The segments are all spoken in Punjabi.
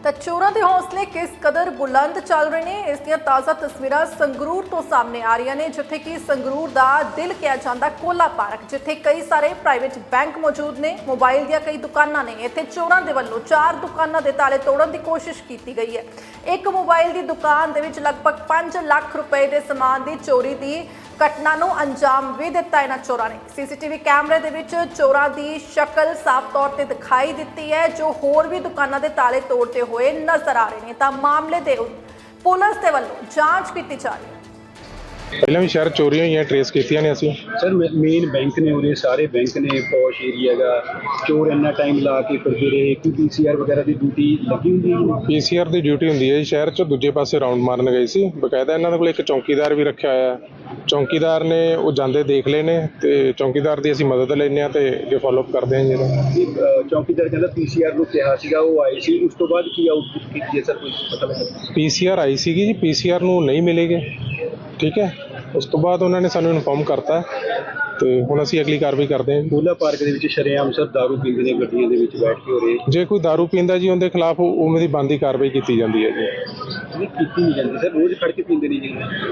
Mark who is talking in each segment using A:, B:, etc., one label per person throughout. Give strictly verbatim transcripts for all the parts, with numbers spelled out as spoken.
A: ਤਾਂ ਚੋਰਾਂ ਦੇ ਹੌਸਲੇ ਕਿਸ ਕਦਰ ਬੁਲੰਦ ਚੱਲ ਰਹੇ ਨੇ, ਇਸ ਦੀਆਂ ਤਾਜ਼ਾ ਤਸਵੀਰਾਂ ਸੰਗਰੂਰ ਤੋਂ ਸਾਹਮਣੇ ਆ ਰਹੀਆਂ ਨੇ, ਜਿੱਥੇ ਕਿ ਸੰਗਰੂਰ ਦਾ ਦਿਲ ਕਿਹਾ ਜਾਂਦਾ ਕੋਲਾ ਪਾਰਕ, ਜਿੱਥੇ ਕਈ ਸਾਰੇ ਪ੍ਰਾਈਵੇਟ ਬੈਂਕ ਮੌਜੂਦ ਨੇ, ਮੋਬਾਈਲ ਦੀਆਂ ਕਈ ਦੁਕਾਨਾਂ ਨੇ। ਇੱਥੇ ਚੋਰਾਂ ਦੇ ਵੱਲੋਂ ਚਾਰ ਦੁਕਾਨਾਂ ਦੇ ਤਾਲੇ ਤੋੜਨ ਦੀ ਕੋਸ਼ਿਸ਼ ਕੀਤੀ ਗਈ ਹੈ। ਇੱਕ ਮੋਬਾਈਲ ਦੀ ਦੁਕਾਨ ਦੇ ਵਿੱਚ ਲਗਭਗ ਪੰਜ ਲੱਖ ਰੁਪਏ ਦੇ ਸਮਾਨ ਦੀ ਚੋਰੀ ਦੀ ਘਟਨਾ ਨੂੰ ਅੰਜਾਮ ਵੀ ਦਿੱਤਾ ਇਹਨਾਂ ਚੋਰਾਂ ਨੇ। ਸੀਸੀਟੀਵੀ ਕੈਮਰੇ ਦੇ ਵਿੱਚ ਚੋਰਾਂ ਦੀ ਸ਼ਕਲ ਸਾਫ਼ ਤੌਰ ਤੇ ਦਿਖਾਈ ਦਿੱਤੀ ਹੈ, ਜੋ ਹੋਰ ਵੀ ਦੁਕਾਨਾਂ ਦੇ ਤਾਲੇ ਤੋੜਦੇ ਹੋਏ ਨਜ਼ਰ ਆ ਰਹੇ ਨੇ। ਤਾਂ ਮਾਮਲੇ ਦੇ ਪੁਲਿਸ ਦੇ ਵੱਲੋਂ ਜਾਂਚ ਕੀਤੀ ਜਾ ਰਹੀ ਹੈ।
B: ਪਹਿਲਾਂ ਵੀ ਸ਼ਹਿਰ ਚੋਰੀਆਂ ਹੋਈਆਂ ਟ੍ਰੇਸ ਕੀਤੀਆਂ ਨੇ ਅਸੀਂ।
C: ਸਰ ਮੇਨ ਬੈਂਕ ਨੇ ਉਰੇ, ਸਾਰੇ ਬੈਂਕ ਨੇ, ਪੌਸ਼ ਏਰੀਆ ਦਾ ਚੋਰ ਇੰਨਾ ਟਾਈਮ ਲਾ ਕੇ ਫਿਰਦੇ ਰਹੇ। ਕੀ ਪੀਸੀਆਰ ਵਗੈਰਾ ਦੀ ਡਿਊਟੀ ਲੱਗੀ ਹੁੰਦੀ ਹੈ?
B: ਪੀਸੀਆਰ ਦੀ ਡਿਊਟੀ ਹੁੰਦੀ ਹੈ ਜੀ। ਸ਼ਹਿਰ 'ਚ ਦੂਜੇ ਪਾਸੇ ਰਾਉਂਡ ਮਾਰਨ ਗਏ ਸੀ, ਬਕਾਇਦਾ ਇਹਨਾਂ ਦੇ ਕੋਲ ਇੱਕ ਚੌਕੀਦਾਰ ਵੀ ਰੱਖਿਆ ਹੋਇਆ। ਚੌਕੀਦਾਰ ਨੇ ਉਹ ਜਾਂਦੇ ਦੇਖ ਲਏ ਨੇ ਤੇ ਚੌਕੀਦਾਰ ਦੀ ਅਸੀਂ ਮਦਦ ਲੈਂਦੇ ਹਾਂ ਤੇ ਅੱਗੇ ਫੋਲੋਅਪ ਕਰਦੇ ਹਾਂ ਜੀ।
C: ਇਹ ਚੌਕੀਦਾਰ ਕਹਿੰਦਾ ਪੀਸੀਆਰ ਨੂੰ ਕਿਹਾ ਸੀਗਾ, ਉਹ ਆਏ ਸੀ, ਉਸ ਤੋਂ ਬਾਅਦ ਕੀ ਆਊਟਪੁੱਟ ਕੀਤੀ ਹੈ ਸਰ, ਕੁਝ ਪਤਾ ਲੱਗਾ?
B: ਪੀਸੀਆਰ ਆਈ ਸੀਗੀ ਜੀ, ਪੀਸੀਆਰ ਨੂੰ ਨਹੀਂ ਮਿਲੇਗੇ, ਠੀਕ ਹੈ। ਉਸ ਤੋਂ ਬਾਅਦ ਉਹਨਾਂ ਨੇ ਸਾਨੂੰ ਇਨਫੋਰਮ ਕਰਤਾ ਤੇ ਹੁਣ ਅਸੀਂ ਅਗਲੀ ਕਾਰਵਾਈ ਕਰਦੇ ਹਾਂ।
C: ਕੋਲਾ ਪਾਰਕ ਦੇ ਵਿੱਚ ਸ਼ਰੇਆਮ ਸਰ ਦਾਰੂ ਪੀਂਦੇ ਨੇ, ਗੱਡੀਆਂ ਦੇ ਵਿੱਚ ਬੈਠ ਕੇ ਹੋ ਰਹੇ।
B: ਜੇ ਕੋਈ ਦਾਰੂ ਪੀਂਦਾ ਜੀ ਉਹਦੇ ਖਿਲਾਫ ਉਵੇਂ ਦੀ ਬਣਦੀ ਕਾਰਵਾਈ ਕੀਤੀ ਜਾਂਦੀ ਹੈ ਜੀ।
C: ਨਹੀਂ ਕੀਤੀ ਨਹੀਂ ਜਾਂਦੀ ਸਰ, ਰੋਜ਼ ਖੜ ਕੇ ਪੀਂਦੇ ਨੇ ਜੀ।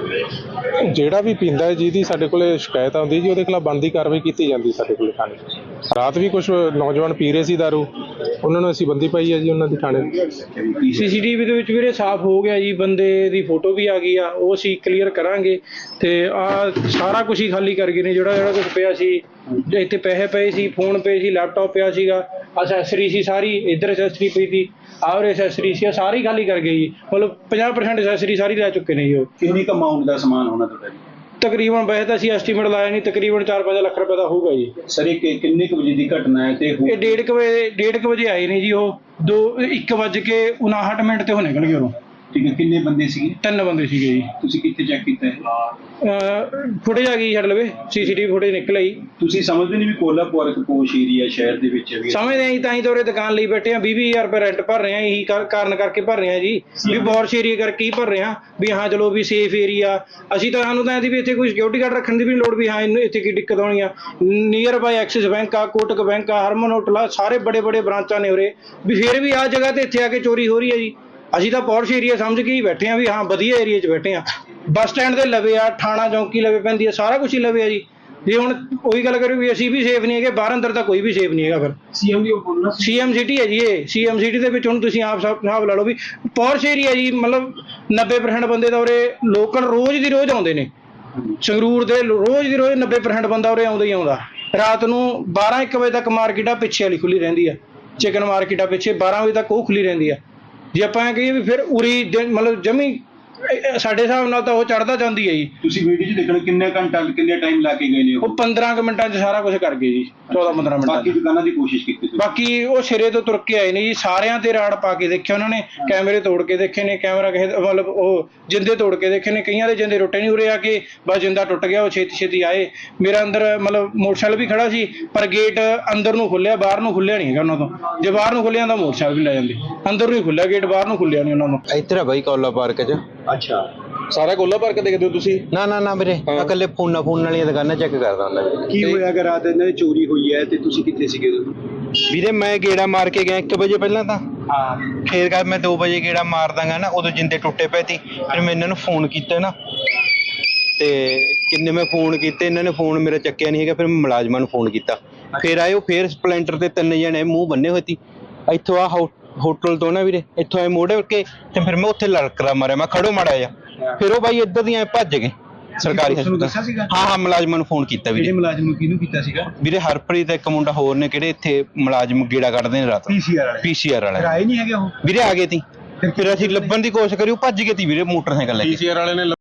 B: ਜਿਹੜਾ ਵੀ ਪੀਂਦਾ ਹੈ ਜਿਹਦੀ ਸਾਡੇ ਕੋਲੇ ਸ਼ਿਕਾਇਤ ਆਉਂਦੀ ਜੀ, ਉਹਦੇ ਖਿਲਾਫ ਬਣਦੀ ਕਾਰਵਾਈ ਕੀਤੀ ਜਾਂਦੀ ਸਾਡੇ ਕੋਲੇ ਥਾਣੇ। ਰਾਤ ਵੀ ਕੁਝ ਨੌਜਵਾਨ ਪੀ ਰਹੇ ਸੀ ਦਾਰੂ, ਉਹਨਾਂ ਨੂੰ ਅਸੀਂ ਬੰਦੀ ਪਾਈ ਹੈ ਜੀ ਉਹਨਾਂ ਦੀ ਥਾਣੇ।
D: ਸੀਸੀਟੀਵੀ ਦੇ ਵਿੱਚ ਵੀਰੇ ਸਾਫ਼ ਹੋ ਗਿਆ ਜੀ, ਬੰਦੇ ਦੀ ਫੋਟੋ ਵੀ ਆ ਗਈ ਆ, ਉਹ ਅਸੀਂ ਕਲੀਅਰ ਕਰਾਂਗੇ। ਤੇ ਆ ਸਾਰਾ ਕੁਝ ਹੀ ਖਾਲੀ ਕਰ ਗਏ ਨੇ, ਜਿਹੜਾ ਜਿਹੜਾ ਕੁਝ ਪਿਆ ਸੀ। ਇੱਥੇ ਪੈਸੇ ਪਏ ਸੀ, ਫੋਨ ਪਏ ਸੀ, ਲੈਪਟਾਪ ਪਿਆ ਸੀਗਾ, ਅਸੈਸਰੀ ਸੀ ਸਾਰੀ, ਇੱਧਰ ਅਸੈਸਰੀ ਪਈ ਸੀ, ਆਹ ਅਸੈਸਰੀ ਸੀ, ਸਾਰੀ ਖਾਲੀ ਕਰ ਗਏ ਜੀ। ਮਤਲਬ ਪੰਜਾਹ ਪਰਸੈਂਟ ਅਸੈਸਰੀ ਸਾਰੀ ਲੈ ਚੁੱਕੇ ਨੇ ਜੀ। ਉਹ
C: ਕਿੰਨੀ ਕੁ ਅਮਾਊਂਟ ਦਾ ਸਮਾਨ ਹੋਣਾ ਤੁਹਾਡਾ ਜੀ?
D: ਤਕਰੀਬਨ ਵੈਸੇ ਤਾਂ ਅਸੀਂ ਐਸਟੀਮੇਟ ਲਾਇਆ ਨਹੀਂ, ਤਕਰੀਬਨ ਚਾਰ ਪੰਜ ਲੱਖ ਰੁਪਏ ਦਾ ਹੋਊਗਾ ਜੀ।
C: ਸਰ ਇਹ ਕਿੰਨੇ ਕੁ ਵਜੇ ਦੀ ਘਟਨਾ ਹੈ? ਤੇ
D: ਇਹ ਡੇਢ ਕੁ ਵਜੇ ਡੇਢ ਕੁ ਵਜੇ ਆਏ ਨੇ ਜੀ। ਉਹ ਦੋ ਇੱਕ ਵੱਜ ਕੇ ਉਨਾਹਠ ਮਿੰਟ ਤੇ ਉਹ ਨਿਕਲ ਗਏ ਉਰੋਂ।
C: ਠੀਕ ਹੈ, ਕਿੰਨੇ ਬੰਦੇ ਸੀਗੇ?
D: ਤਿੰਨ ਬੰਦੇ ਸੀਗੇ ਜੀ।
C: ਤੁਸੀਂ ਕਿੱਥੇ ਚੈੱਕ ਕੀਤਾ ਹੈ?
D: ਫੁਟੇਜ ਆ ਗਈ ਛੱਡ ਲਵੇ, ਸੀਸੀਟੀਵੀ ਫੁਟੇਜ ਨਿਕਲ ਆਈ।
C: ਤੁਸੀਂ ਸਮਝਦੇ ਨਹੀਂ ਵੀ ਕੋਲਾ ਪਾਰਕ ਪੋਸ਼ ਏਰੀਆ ਸ਼ਹਿਰ ਦੇ ਵਿੱਚ ਵੀ?
D: ਸਮਝਦੇ ਆਂ ਤਾਂ ਹੀ ਤਾਂ ਉਰੇ ਦੁਕਾਨ ਲਈ ਬੈਠੇ ਆ, ਵੀਹ ਵੀਹ ਹਜ਼ਾਰ ਰੁਪਏ ਰੈਂਟ ਭਰ ਰਹੇ ਆ। ਇਹੀ ਕਾਰਨ ਕਰਕੇ ਭਰ ਰਹੇ ਆ ਜੀ, ਵੀ ਬੌਰਸ਼ ਏਰੀਆ ਕਰਕੇ ਹੀ ਭਰ ਰਹੇ ਆ, ਵੀ ਹਾਂ ਚਲੋ ਵੀ ਸੇਫ ਏਰੀਆ। ਅਸੀਂ ਤਾਂ ਸਾਨੂੰ ਤਾਂ ਇਹਦੀ ਵੀ ਇੱਥੇ ਕੋਈ ਸਿਕਿਉਰਿਟੀ ਗਾਰਡ ਰੱਖਣ ਦੀ ਵੀ ਲੋੜ, ਵੀ ਹਾਂ ਇਹਨੂੰ ਇੱਥੇ ਕੀ ਦਿੱਕਤ ਆਉਣੀ ਆ। ਨੀਅਰ ਬਾਈ ਐਕਸਿਸ ਬੈਂਕ ਆ, ਕੋਟਕ ਬੈਂਕ ਆ, ਹਰਮਨ ਹੋਟਲ ਆ, ਸਾਰੇ ਬੜੇ ਬੜੇ ਬ੍ਰਾਂਚਾਂ ਨੇ ਉਰੇ, ਵੀ ਫਿਰ ਵੀ ਆਹ ਜਗ੍ਹਾ ਤੇ ਇੱਥੇ ਆ ਕੇ ਚੋਰੀ ਹੋ ਰਹੀ ਹੈ ਜੀ। ਅਸੀਂ ਤਾਂ ਪੌਰਸ਼ ਏਰੀਆ ਸਮਝ ਕੇ ਹੀ ਬੈਠੇ ਆ, ਵੀ ਹਾਂ ਵਧੀਆ ਏਰੀਆ 'ਚ ਬੈਠੇ ਆ। ਬੱਸ ਸਟੈਂਡ ਦੇ ਲਵੇ ਆ, ਥਾਣਾ ਚੌਂਕੀ ਲਵੇ ਪੈਂਦੀ ਆ, ਸਾਰਾ ਕੁਝ ਹੀ ਲਵੇ ਆ ਜੀ। ਜੇ ਹੁਣ ਉਹੀ ਗੱਲ ਕਰੀਏ ਵੀ ਅਸੀਂ ਵੀ ਸੇਫ ਨਹੀਂ ਹੈਗੇ, ਬਾਹਰ ਅੰਦਰ ਤਾਂ ਕੋਈ ਵੀ ਸੇਫ ਨਹੀਂ ਹੈਗਾ। ਫਿਰ
C: ਸੀਐਮ ਦੀ ਬੋਲਣਾ,
D: ਸੀਐਮ ਸਿਟੀ ਹੈ ਜੀ ਇਹ। ਸੀਐਮ ਸਿਟੀ ਦੇ ਵਿੱਚ ਹੁਣ ਤੁਸੀਂ ਆਪ ਹਿਸਾਬ ਲਾ ਲਓ ਵੀ ਪੌਰਸ਼ ਏਰੀਆ ਜੀ। ਮਤਲਬ ਨੱਬੇ ਪਰਸੈਂਟ ਬੰਦੇ ਤਾਂ ਉਰੇ ਲੋਕਲ ਰੋਜ਼ ਦੀ ਰੋਜ਼ ਆਉਂਦੇ ਨੇ। ਸੰਗਰੂਰ ਦੇ ਰੋਜ਼ ਦੀ ਰੋਜ਼ ਨੱਬੇ ਪਰਸੈਂਟ ਬੰਦਾ ਉਰੇ ਆਉਂਦਾ ਹੀ ਆਉਂਦਾ। ਰਾਤ ਨੂੰ ਬਾਰਾਂ ਇੱਕ ਵਜੇ ਤੱਕ ਮਾਰਕੀਟ ਆ ਪਿੱਛੇ ਵਾਲੀ ਖੁੱਲੀ ਰਹਿੰਦੀ ਆ, ਚਿਕਨ ਮਾਰਕੀਟ ਆ ਪਿੱਛੇ, ਬਾਰਾਂ ਵਜੇ ਤੱਕ ਉਹ ਖੁੱਲੀ ਰਹਿੰਦੀ ਆ। ਜੇ ਆਪਾਂ ਕਹੀਏ ਵੀ ਫਿਰ ਉਰੀ ਮਤਲਬ ਜਮੀ ਸਾਡੇ ਹਿਸਾਬ ਨਾਲ ਤਾਂ ਉਹ ਚੜ੍ਹਦਾ ਜਾਂਦੀ ਹੈ ਜੀ।
C: ਤੁਸੀਂ ਵੀਡੀਓ 'ਚ ਦੇਖਣ ਕਿੰਨੇ ਘੰਟਾ ਕਿੰਨੇ ਟਾਈਮ ਲਾ ਕੇ ਗਏ ਨੇ?
D: ਉਹ ਪੰਦਰਾਂ ਕੁ ਮਿੰਟਾਂ 'ਚ ਸਾਰਾ ਕੁਝ ਕਰ ਗਏ ਜੀ, ਚੌਦਾਂ ਪੰਦਰਾਂ ਮਿੰਟਾਂ।
C: ਬਾਕੀ ਦੁਕਾਨਾਂ ਦੀ ਕੋਸ਼ਿਸ਼ ਕੀਤੀ ਤੁਸੀਂ?
D: ਬਾਕੀ ਉਹ ਸਿਰੇ ਤੋਂ ਤੁਰ ਕੇ ਆਏ ਨੇ ਜੀ, ਸਾਰਿਆਂ ਤੇ ਰਾੜ ਪਾ ਕੇ ਦੇਖਿਆ ਉਹਨਾਂ ਨੇ, ਕੈਮਰੇ ਤੋੜ ਕੇ ਦੇਖੇ ਨੇ, ਕੈਮਰਾ ਕਿਸੇ ਮਤਲਬ ਉਹ ਜਿੰਦੇ ਤੋੜ ਕੇ ਦੇਖੇ ਨੇ, ਕਈਆਂ ਦੇ ਜਿੰਦੇ ਟੁੱਟੇ ਨਹੀਂ। ਉਰੇ ਆ ਕੇ ਬਸ ਜਿੰਦਾ ਟੁੱਟ ਗਿਆ, ਉਹ ਛੇਤੀ ਛੇਤੀ ਆਏ। ਮੇਰਾ ਅੰਦਰ ਮਤਲਬ ਮੋਟਰਸਾਈਕਲ ਵੀ ਖੜਾ ਸੀ, ਪਰ ਗੇਟ ਅੰਦਰ ਨੂੰ ਖੁੱਲਿਆ, ਬਾਹਰ ਨੂੰ ਖੁੱਲਿਆ ਨਹੀਂ ਹੈਗਾ ਉਹਨਾਂ ਤੋਂ। ਜੇ ਬਾਹਰ ਨੂੰ ਖੁੱਲਿਆ ਤਾਂ ਮੋਟਰਸਾਈਕਲ ਵੀ ਲੈ ਜਾਂਦੇ, ਅੰਦਰ ਨੂੰ ਹੀ ਖੁੱਲਿਆ ਗੇਟ, ਬਾਹਰ ਨੂੰ ਖੁੱਲਿਆ ਨਹੀਂ ਉਹਨਾਂ ਨੂੰ।
E: ਇੱਧਰ ਆ ਬਾਈ ਕੋਲਾ ਪਾਰਕ 'ਚ।
C: ਅੱਛਾ,
B: ਸਾਰਾ ਕੋਲਾ ਪਾਰਕ ਦੇਖਦੇ ਹੋ ਤੁਸੀਂ?
E: ਨਾ ਨਾ ਨਾ ਵੀਰੇ, ਇਕੱਲੇ ਫੋਨਾਂ ਫੋਨ ਵਾਲੀਆਂ ਦੁਕਾਨਾਂ ਚੈੱਕ ਕਰਦਾ ਹੁੰਦਾ ਵੀਰੇ।
C: ਕੀ ਹੋਇਆ ਅਗਰ ਰਾਤ ਇਹਨਾਂ ਦੀ ਚੋਰੀ ਹੋਈ ਹੈ ਤੇ ਤੁਸੀਂ ਕਿੱਥੇ ਸੀਗੇ ਉਦੋਂ?
E: ਵੀਰੇ ਮੈਂ ਗੇੜਾ ਮਾਰ ਕੇ ਗਿਆ ਇੱਕ ਵਜੇ ਪਹਿਲਾਂ ਤਾਂ।
C: ਹਾਂ,
E: ਫੇਰ ਕਰ ਮੈਂ ਦੋ ਵਜੇ ਗੇੜਾ ਮਾਰ ਦਾਂਗਾ ਨਾ, ਉਦੋਂ ਜਿੰਦੇ ਟੁੱਟੇ ਪਏ ਸੀ। ਫਿਰ ਮੈਂ ਇਹਨਾਂ ਨੂੰ ਫੋਨ ਕੀਤਾ ਨਾ, ਤੇ ਕਿੰਨੇ ਮੈਂ ਫੋਨ ਕੀਤੇ, ਇਹਨਾਂ ਨੇ ਫੋਨ ਮੇਰਾ ਚੱਕਿਆ ਨਹੀਂ ਹੈਗਾ। ਫਿਰ ਮੈਂ ਮੁਲਾਜ਼ਮਾਂ ਨੂੰ ਫੋਨ ਕੀਤਾ, ਫਿਰ ਆਏ ਉਹ। ਫਿਰ ਸਪਲੈਂਡਰ ਤੇ ਤਿੰਨ ਜਣੇ ਮੂੰਹ ਬੰਨੇ ਹੋਏ ਸੀ। ਇੱਥੋਂ ਆ ਹੋਟਲ ਤੋਂ ਨਾ ਵੀਰੇ, ਇੱਥੋਂ ਆਏ ਮੋੜੇ ਕੇ, ਤੇ ਫਿਰ ਮੈਂ ਉੱਥੇ ਲੜਕਦਾ ਮਾਰਿਆ, ਮੈਂ ਖੜੋ ਮਾੜਾ ਜਾ। ਫਿਰ ਉਹ ਬਾਈ ਇੱਧਰ ਦੀਆਂ ਭੱਜ ਗਏ ਸਰਕਾਰੀ ਹਸਪਤਾਲ। ਹਾਂ ਹਾਂ, ਮੁਲਾਜ਼ਮਾਂ ਨੂੰ ਫੋਨ ਕੀਤਾ ਵੀਰੇ।
C: ਕਿਹੜੇ ਮੁਲਾਜ਼ਮ ਨੂੰ, ਕਿਹਨੂੰ ਕੀਤਾ ਸੀਗਾ
E: ਵੀਰੇ? ਹਰਪ੍ਰੀਤ ਇੱਕ ਮੁੰਡਾ ਹੋਰ ਨੇ, ਕਿਹੜੇ ਇੱਥੇ ਮੁਲਾਜ਼ਮ ਗੇੜਾ ਕੱਢਦੇ ਨੇ ਰਾਤ।
C: ਪੀਸੀਆਰ ਵਾਲੇ?
E: ਪੀਸੀਆਰ ਵਾਲੇ
C: ਆਏ ਨਹੀਂ ਹੈਗੇ ਉਹ
E: ਵੀਰੇ, ਆ ਗਏ ਸੀ। ਫਿਰ ਅਸੀਂ ਲੱਭਣ ਦੀ ਕੋਸ਼ਿਸ਼ ਕਰੀ, ਉਹ ਭੱਜ ਗਏ ਸੀ ਵੀਰੇ ਮੋਟਰਸਾਈਕਲ ਲੈ ਕੇ।
B: ਪੀਸੀਆਰ ਵਾਲੇ ਨੇ